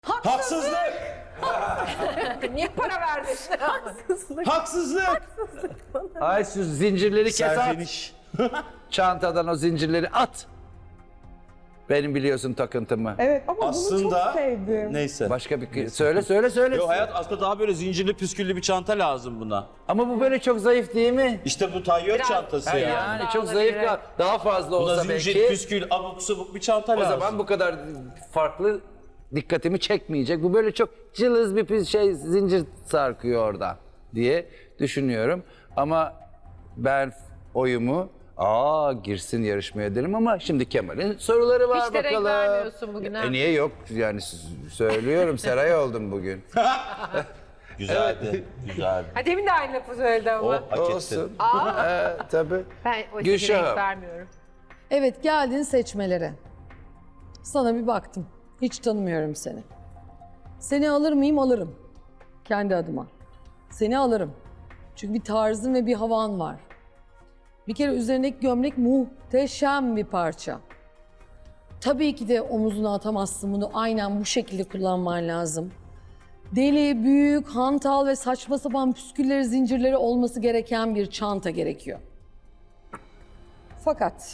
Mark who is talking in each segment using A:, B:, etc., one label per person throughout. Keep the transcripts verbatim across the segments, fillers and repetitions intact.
A: Haksızlık!
B: Niye para verdin?
C: Haksızlık.
A: Haksızlık!
C: Haksızlık bana.
D: Ay şu zincirleri kes at.
A: Serzeniş.
D: Çantadan o zincirleri at. Benim biliyorsun takıntımı.
C: Evet ama bunu
A: Aslında
C: çok sevdim.
A: neyse.
D: Başka bir söyle söyle söyle.
A: Yo, hayat aslında daha böyle zincirli püsküllü bir çanta lazım buna.
D: Ama bu böyle çok zayıf değil mi?
A: İşte bu tayyör çantası
D: Ha,
A: ya.
D: yani
B: daha
D: çok
B: olabilir,
D: zayıf
B: evet.
D: kal. Daha fazla
A: Buna
D: olsa
A: zincir,
D: belki.
A: püskül, abuk subuk bir çanta
D: O
A: lazım.
D: zaman bu kadar farklı dikkatimi çekmeyecek. Bu böyle çok cılız bir pis şey zincir sarkıyor orada diye düşünüyorum. Ama ben oyumu aa girsin yarışmaya derim ama şimdi Kemal'in soruları var
B: Hiç de renk
D: bakalım.
B: vermiyorsun bugün ha.
D: E niye yok yani s- söylüyorum Seray oldum bugün.
A: Güzeldi, güzeldi.
B: Ha, demin de aynı lafı söyledi ama.
A: O hak etti.
D: Olsun. Ee, tabii.
B: Ben o
D: Gülşah'ım.
B: renk vermiyorum.
E: Evet, geldin seçmelere. Sana bir baktım. Hiç tanımıyorum seni. Seni alır mıyım? Alırım. Kendi adıma. Seni alırım. Çünkü bir tarzın ve bir havan var. Bir kere üzerindeki gömlek muhteşem bir parça. Tabii ki de omuzuna atamazsın bunu. Aynen bu şekilde kullanman lazım. Deli, büyük, hantal ve saçma sapan püskülleri, zincirleri olması gereken bir çanta gerekiyor. Fakat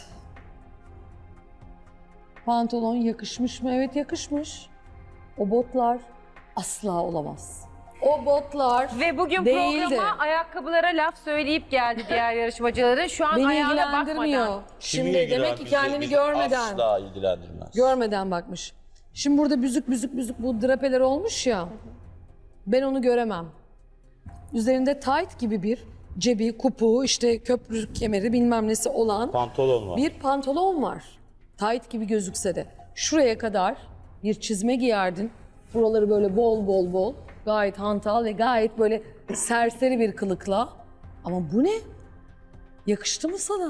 E: pantolon yakışmış mı? Evet yakışmış. O botlar asla olamaz. O botlar
B: Ve bugün
E: değildi.
B: programa ayakkabılara laf söyleyip geldi diğer yarışmacıların. Şu an
E: Beni
B: ayağına
E: ilgilendirmiyor.
B: bakmadan.
E: Şimdi
A: Kimi
E: demek
A: ilgiler-
E: ki
A: bizi-
E: kendini
A: bizi
E: görmeden,
A: Asla ilgilendirmez.
E: görmeden bakmış. Şimdi burada büzük büzük büzük bu drapeler olmuş ya. Ben onu göremem. Üzerinde tight gibi bir cebi, kupu, işte köprü kemeri bilmem nesi olan
A: Pantolon var.
E: bir pantolon var. Tight gibi gözükse de. Şuraya kadar bir çizme giyerdin. Buraları böyle bol bol bol. Gayet hantal ve gayet böyle serseri bir kılıkla. Ama bu ne? Yakıştı mı sana?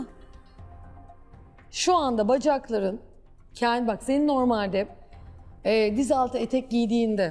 E: Şu anda bacakların, kendi bak senin normalde e, diz altı etek giydiğinde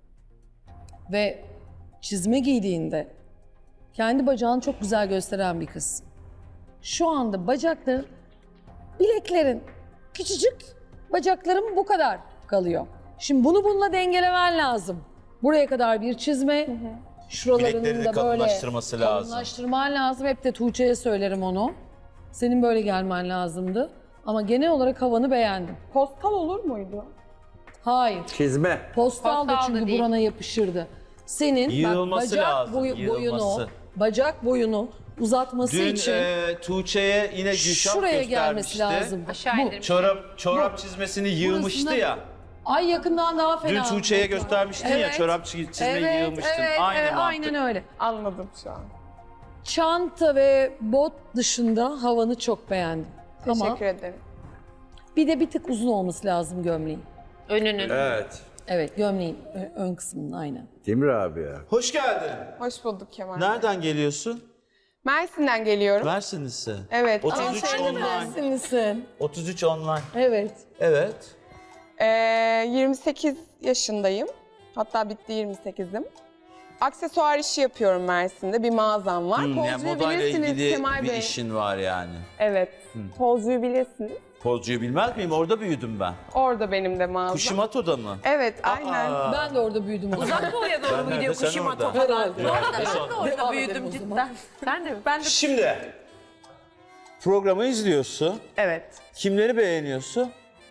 E: ve çizme giydiğinde kendi bacağını çok güzel gösteren bir kız. Şu anda bacakların, bileklerin küçücük, bacakların bu kadar kalıyor. Şimdi bunu bununla dengelemen lazım. Buraya kadar bir çizme, şuralarının
A: Bilekleri de
E: da böyle
A: kalınlaştırması lazım.
E: kalınlaştırman lazım. Hep de Tuğçe'ye söylerim onu. Senin böyle gelmen lazımdı. Ama genel olarak havanı beğendim.
C: Postal olur muydu?
E: Hayır.
D: Çizme.
E: Postal da
B: Postal da
E: çünkü
B: değil.
E: burana yapışırdı. Senin
A: Yığılması
E: bak, bacak
A: lazım,
E: boyu- boyunu,
A: yığılması.
E: bacak boyunu uzatması
A: Dün
E: için
A: e, Tuğçe'ye yine Gülşah
E: şuraya
A: göstermişti.
E: gelmesi lazım.
B: Aşağı
E: Bu.
B: indirmiş.
A: Çorap, çorap çizmesini yığmıştı
E: Burasında-
A: ya.
E: Ay yakından daha fena.
A: Dün Tuğçe'ye göstermiştin ya, çorap çiz- çizmeyi
E: evet,
A: yığmıştın.
E: Evet,
A: Aynı
E: evet,
A: mantık.
E: aynen öyle.
C: Anladım şu an.
E: Çanta ve bot dışında havanı çok beğendim. Ama
C: Teşekkür ederim.
E: bir de bir tık uzun olması lazım gömleğin.
B: Önünün.
D: Evet.
E: Evet, gömleğin ö- ön kısmının aynen.
D: Timur abi ya.
A: Hoş geldin.
C: Hoş bulduk Kemal Bey.
A: Nereden geliyorsun?
C: Mersin'den geliyorum.
A: Mersinlisi.
C: Evet.
A: otuz üç
E: Aa, sen de
A: online.
E: Mersinlisin.
A: otuz üç online.
E: Evet.
A: Evet.
C: Ee, yirmi sekiz yaşındayım. Hatta bitti yirmi sekizim. Aksesuar işi yapıyorum Mersin'de. Bir mağazam var.
A: Hmm, yani
C: Pozcuyu
A: modayla
C: bilirsiniz
A: ilgili
C: Kemal
A: bir
C: Bey.
A: işin var yani.
C: Evet. Pozcuyu bilirsiniz.
A: Pozcuyu bilmez miyim? Orada büyüdüm ben.
C: Orada benim de mağazam.
A: Kuşimato'da mı?
C: Evet, aynen.
A: Aa.
E: Ben de orada büyüdüm. o zaman.
B: Uzak doğuya doğru mu
A: nerede,
B: gidiyor
A: sen
B: Kuşimato
A: orada.
B: falan?
E: Herhalde.
B: Ben de orada
E: Devam
B: büyüdüm
E: edelim o
B: cidden.
E: zaman.
B: Ben de ben de
A: Şimdi programı izliyorsun.
C: Evet.
A: Kimleri beğeniyorsun?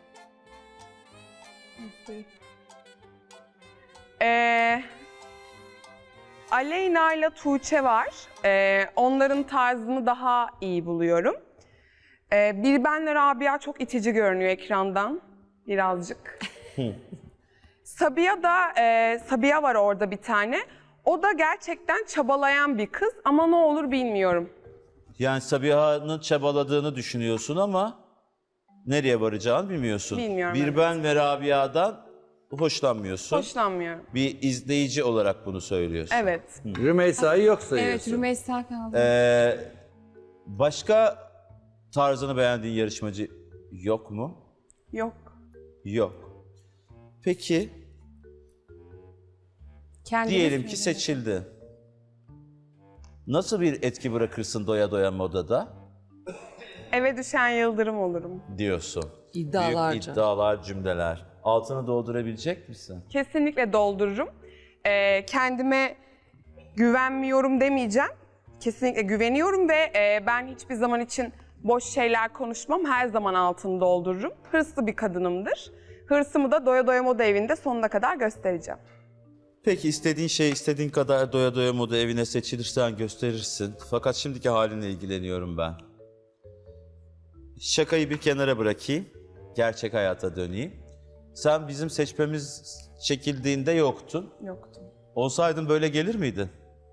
C: Ee, Aleyna ile Tuğçe var. Ee, onların tarzını daha iyi buluyorum. Ee, bir benle Rabia çok itici görünüyor ekrandan. Birazcık. Sabiha da, e, Sabiha var orada bir tane. O da gerçekten çabalayan bir kız ama ne olur bilmiyorum.
A: Yani Sabiha'nın çabaladığını düşünüyorsun ama nereye varacağını bilmiyorsun.
C: Bilmiyorum,
A: Bir
C: evet.
A: ben ve Rabia'dan hoşlanmıyorsun.
C: Hoşlanmıyorum.
A: Bir izleyici olarak bunu söylüyorsun.
C: Evet.
D: Rümeysa'yı yok sayıyorsun.
F: Rümeysa kaldı.
A: Ee, başka tarzını beğendiğin yarışmacı yok mu?
C: Yok.
A: Yok. Peki
F: Kendini
A: diyelim ki
F: söyle.
A: seçildi. Nasıl bir etki bırakırsın doya doya modada
C: Eve düşen yıldırım olurum.
A: diyorsun.
E: İddialarca.
A: Büyük iddialar, cümleler. Altını doldurabilecek misin?
C: Kesinlikle doldururum. Ee, kendime güvenmiyorum demeyeceğim. Kesinlikle güveniyorum ve e, ben hiçbir zaman için boş şeyler konuşmam. Her zaman altını doldururum. Hırslı bir kadınımdır. Hırsımı da Doya Doya Moda Evi'nde sonuna kadar göstereceğim.
A: Peki istediğin şey istediğin kadar doya doya moda evine seçilirsen gösterirsin. Fakat şimdiki halinle ilgileniyorum ben. Şakayı bir kenara bırakayım. Gerçek hayata döneyim. Sen bizim seçmemiz çekildiğinde yoktun.
C: Yoktu.
A: Olsaydın böyle gelir miydin?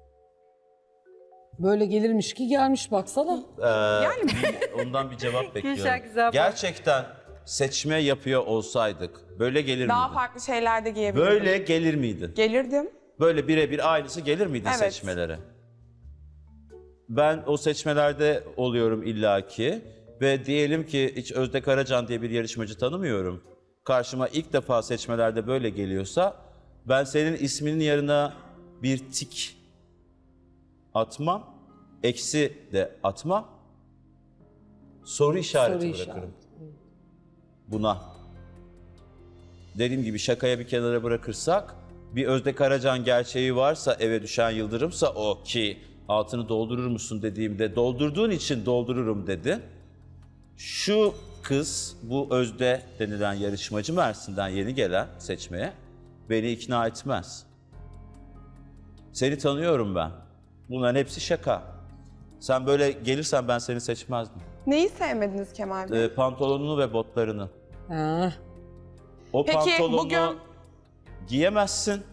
E: Böyle gelirmiş ki gelmiş baksana.
C: Yani
A: Ondan bir cevap bekliyorum.
B: güzel bak.
A: Gerçekten seçme yapıyor olsaydık böyle gelir
C: daha
A: miydin?
C: farklı şeyler de giyebilirdim.
A: Böyle gelir miydin?
C: Gelirdim.
A: Böyle birebir aynısı gelir miydi
C: Evet.
A: seçmelere? Ben o seçmelerde oluyorum illaki ve diyelim ki hiç Özde Karacan diye bir yarışmacı tanımıyorum. Karşıma ilk defa seçmelerde böyle geliyorsa ben senin isminin yanına bir tik atmam, eksi de atmam, soru işareti
E: Soru
A: bırakırım
E: işareti.
A: buna. Dediğim gibi şakaya bir kenara bırakırsak bir Özde Karacan gerçeği varsa eve düşen yıldırımsa o ki altını doldurur musun dediğimde doldurduğun için doldururum dedi. Şu kız bu Özde denilen yarışmacı Mersin'den yeni gelen seçmeye beni ikna etmez. Seni tanıyorum ben. Bunların hepsi şaka. Sen böyle gelirsen ben seni seçmezdim.
C: Neyi sevmediniz Kemal Bey?
A: Ee, pantolonunu ve botlarını.
E: Ha.
A: O
C: Peki,
A: pantolonu
C: bugün-
A: giyemezsin.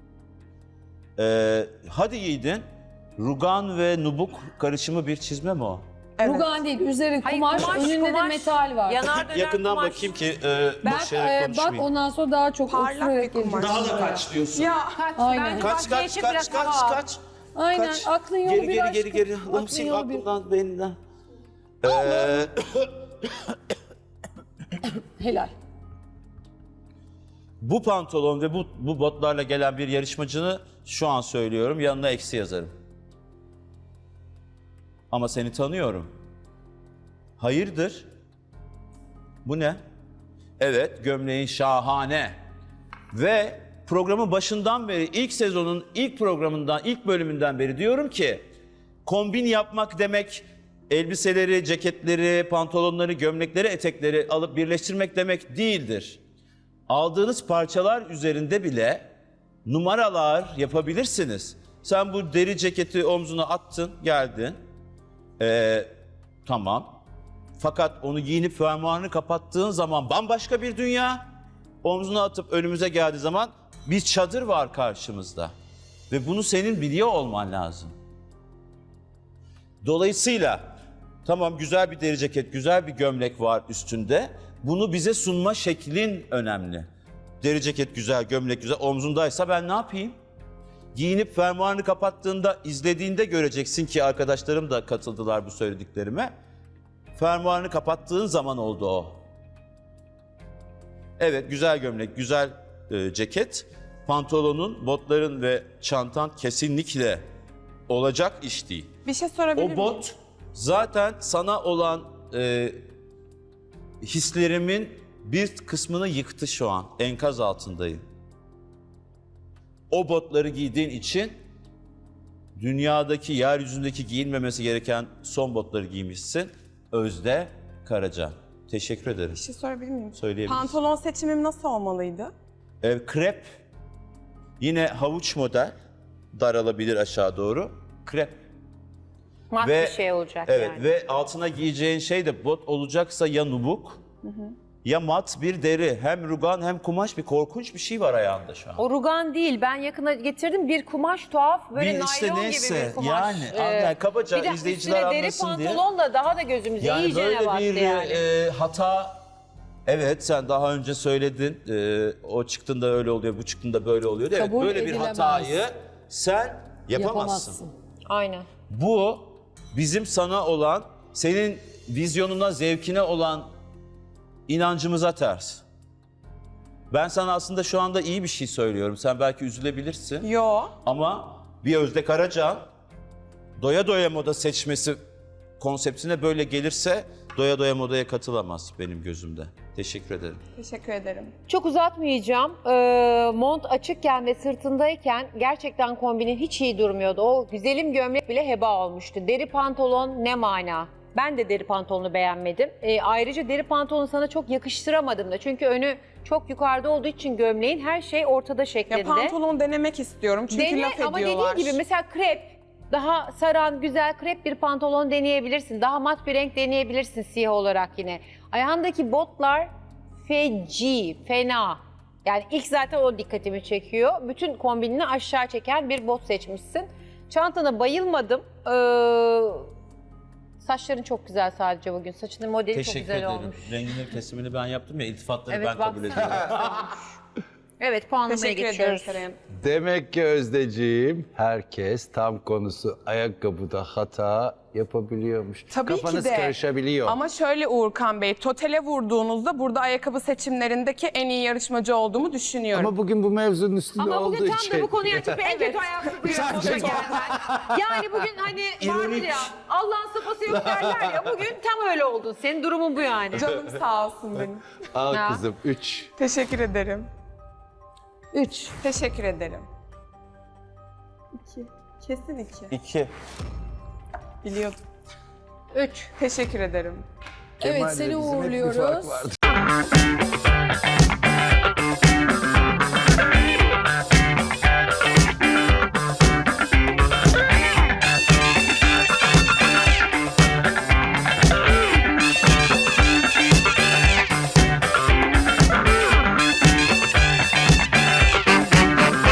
A: Ee, hadi giydin. Rugan ve nubuk karışımı bir çizme mi o?
C: Evet.
E: Rugan değil, üzeri
B: Hayır,
E: kumaş,
B: kumaş,
E: önünde de
B: kumaş.
E: metal var.
B: Yanar döner
A: Yakından
B: kumaş.
A: bakayım ki e,
E: Bak,
A: boş yere
E: e, bak
A: konuşmayayım.
E: ondan sonra daha çok
C: Parlak
E: oturarak
C: bir kumaş.
E: geleceksin.
A: Daha da kaç diyorsun?
C: Ya
B: Kaç,
E: Aynen.
B: bence
A: Kaç
B: bahçeye
A: kaç
B: çık
A: kaç
B: biraz
A: kaç
B: hava al.
A: kaç?
E: Aynen,
A: Kaç?
E: aklın yolu
A: geri,
E: bir
A: geri,
E: aşkım.
A: geri geri
E: Aklın
A: Allah'ım sil
E: yolu bir.
A: aklımdan beyninden. Ee,
E: Helal.
A: bu pantolon ve bu, bu botlarla gelen bir yarışmacını şu an söylüyorum yanına eksi yazarım. Ama seni tanıyorum. Hayırdır? Bu ne? Evet, gömleğin şahane. Ve programın başından beri, ilk sezonun ilk programından, ilk bölümünden beri diyorum ki kombin yapmak demek elbiseleri, ceketleri, pantolonları, gömlekleri, etekleri alıp birleştirmek demek değildir. Aldığınız parçalar üzerinde bile numaralar yapabilirsiniz. Sen bu deri ceketi omzuna attın, geldin. Ee, tamam. Fakat onu giyinip fermuarını kapattığın zaman bambaşka bir dünya. Omzuna atıp önümüze geldiği zaman bir çadır var karşımızda. Ve bunu senin biliyor olman lazım. Dolayısıyla tamam güzel bir deri ceket, güzel bir gömlek var üstünde. Bunu bize sunma şeklin önemli. Deri ceket güzel, gömlek güzel, omzundaysa ben ne yapayım? Giyinip fermuarını kapattığında, izlediğinde göreceksin ki arkadaşlarım da katıldılar bu söylediklerime. Fermuarını kapattığın zaman oldu o. Evet, güzel gömlek, güzel e, ceket. Pantolonun, botların ve çantan kesinlikle olacak iş değil.
C: bir şey sorabilir
A: O
C: miyim?
A: bot zaten sana olan e, hislerimin bir kısmını yıktı şu an. Enkaz altındayım. O botları giydiğin için dünyadaki, yeryüzündeki giyilmemesi gereken son botları giymişsin. Özde Karacan. Teşekkür ederim.
C: Bir şey sorabilir miyim?
A: Söyleyebilirsin.
C: Pantolon seçimim nasıl olmalıydı?
A: E, krep, yine havuç model, daralabilir aşağı doğru. Krep.
B: Mat
A: Ve-
B: bir şey olacak
A: Evet
B: yani.
A: ve altına giyeceğin şey de bot olacaksa ya nubuk ya mat bir deri. Hem rugan hem kumaş, bir korkunç bir şey var ayağında şu an.
B: O rugan değil. Ben yakına getirdim bir kumaş tuhaf böyle
A: Bir
B: naylon
A: işte neyse,
B: gibi bir kumaş.
A: yani,
B: Ee,
A: yani kabaca
B: bir de
A: izleyiciler
B: üstüne deri
A: anlasın diye.
B: pantolon da daha da gözümüze
A: Yani
B: iyice
A: böyle
B: battı
A: bir
B: yani.
A: e, hata, evet sen daha önce söyledin, e, o çıktığında öyle oluyor, bu çıktığında böyle oluyor. Evet,
E: Kabul
A: böyle bir
E: edilemez.
A: hatayı sen yapamazsın.
E: Yapamazsın.
B: Aynen.
A: Bu bizim sana olan, senin vizyonuna, zevkine olan inancımıza ters. Ben sana aslında şu anda iyi bir şey söylüyorum. Sen belki üzülebilirsin.
C: Yo.
A: Ama bir Özde Karacan doya doya moda seçmesi konseptine böyle gelirse doya doya modaya katılamaz benim gözümde. Teşekkür ederim.
C: Teşekkür ederim.
B: Çok uzatmayacağım. Ee, mont açıkken ve sırtındayken gerçekten kombinin hiç iyi durmuyordu. O güzelim gömlek bile heba olmuştu. Deri pantolon ne mana? Ben de deri pantolonu beğenmedim. Ee, ayrıca deri pantolonu sana çok yakıştıramadım da. Çünkü önü çok yukarıda olduğu için gömleğin her şey ortada şeklinde.
C: Ya pantolon denemek istiyorum çünkü
B: Dene
C: laf
B: ama
C: ediyorlar.
B: dediğin gibi mesela krep, daha saran, güzel krep bir pantolon deneyebilirsin. Daha mat bir renk deneyebilirsin siyah olarak yine. Ayağındaki botlar feci, fena. Yani ilk zaten o dikkatimi çekiyor. Bütün kombinini aşağı çeken bir bot seçmişsin. Çantana bayılmadım. Ee, saçların çok güzel sadece bugün. Saçının modeli çok
A: Teşekkür
B: güzel
A: ederim.
B: olmuş.
A: Rengini kesimini ben yaptım ya, iltifatları
B: Evet,
A: ben kabul
B: baksana.
A: ediyorum.
B: Evet, puanlamaya
C: Teşekkür ederim
B: geçiyoruz.
C: Seray Hanım.
D: Demek ki Özdeciğim herkes tam konusu ayakkabıda hata yapabiliyormuş.
C: Tabii
D: Kafanız
C: ki de.
D: karışabiliyor.
C: Ama şöyle Uğurkan Bey, totale vurduğunuzda burada ayakkabı seçimlerindeki en iyi yarışmacı olduğumu düşünüyorum.
D: Ama bugün bu mevzunun üstünde
B: Ama
D: olduğu
B: bugün tam
D: için.
B: da bu konuyu açıp en kötü ayakkabıyı
D: Sadece-
B: gelmen. Yani bugün hani vardır ya, Allah'ın sapası yok derler ya, bugün tam öyle oldun. Senin durumun bu yani.
C: Canım sağ olsun benim.
D: Al
B: Ha.
D: kızım üç.
C: Teşekkür ederim.
E: Üç.
C: Teşekkür ederim. İki. Kesin iki.
A: İki.
C: Biliyordum.
B: Üç.
C: Teşekkür ederim.
E: Evet
D: Kemal'le
E: seni
D: bizim hep bir fark
E: uğurluyoruz.
D: vardı.